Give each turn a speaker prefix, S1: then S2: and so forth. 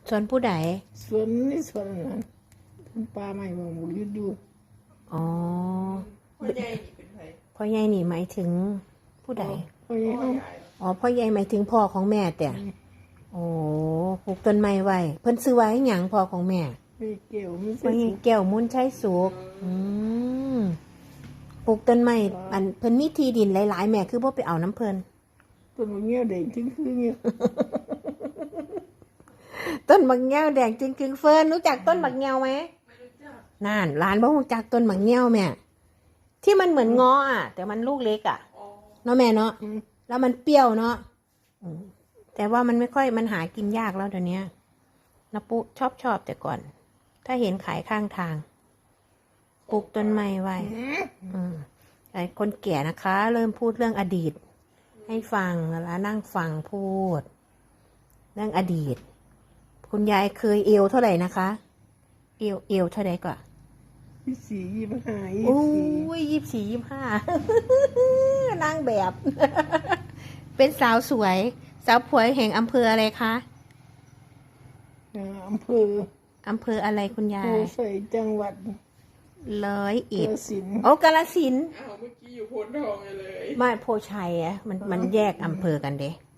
S1: สวนผู้ใด
S2: สวนนี่สวนนั้นปลาใหม่บอกบุยุดอยู่
S1: อ๋อ
S3: พ่อใหญ่นี่เป็นไผ
S1: พ่อใหญ่นี่หมายถึงผู้ใด
S2: พ่อใหญ่เอา
S1: อ๋อพ่อใหญ่หมายถึงพ่อของแม่แต่โอ้ปลูกต้นไม้ไว้เพิ่นซื้อไว้หยังพ่อของแม่
S2: ไม่เกี่ยวไม่
S1: พ่อ
S2: ใช่
S1: ใหญ่แก้วมุนใช้สุกมปลูกต้นไม้อันเพิ่นมีที่ดินหลายๆแม่คือบ่ไปเอาน้ำเพิ่น
S2: ต้นมะเงี้ยวเด็กถึงคือเงี้ย
S1: ต้นบักแง้วแดงจึงกึงเฟิร์นรู้จักต้นบักแง้วไหมนั่นร้านบ่รู้จักต้นบักแง้วแม่ที่มันเหมือนง้ออ่ะแต่มันลูกเล็กอ่ะเนาะแม่เนาะแล้วมันเปรี้ยวเนาะแต่ว่ามันไม่ค่อยมันหากินยากแล้วเดี๋ยวนี้นะปุ๊ชอบแต่ก่อน ถ้าเห็นขายข้างทางปลูกต้นไม้ไว้ไอ้คนแก่นะคะ เริ่มพูดเรื่องอดีต ให้ฟังแล้วนั่งฟังพูดเรื่องอดีตคุณยายเคยเอวเท่าไหร่นะคะเอวเท่าไหร่กว่า
S2: 24 25
S1: โอ้ย24 25 นางแบบ เป็นสาวสวยสาวผวยแห่งอำเภออะไรคะ
S2: อำเภอ
S1: อะไรคุณยา
S2: โพ
S1: ย
S2: ใส่จังหวัด
S1: 101
S2: กาฬสินธุ์
S1: โอ้กาฬสินธุ์
S3: อ้าวเมื่อกี้อยู่โพนทองเลย
S1: ไม่โพชัยอะมันแยกอำเภอกันเด้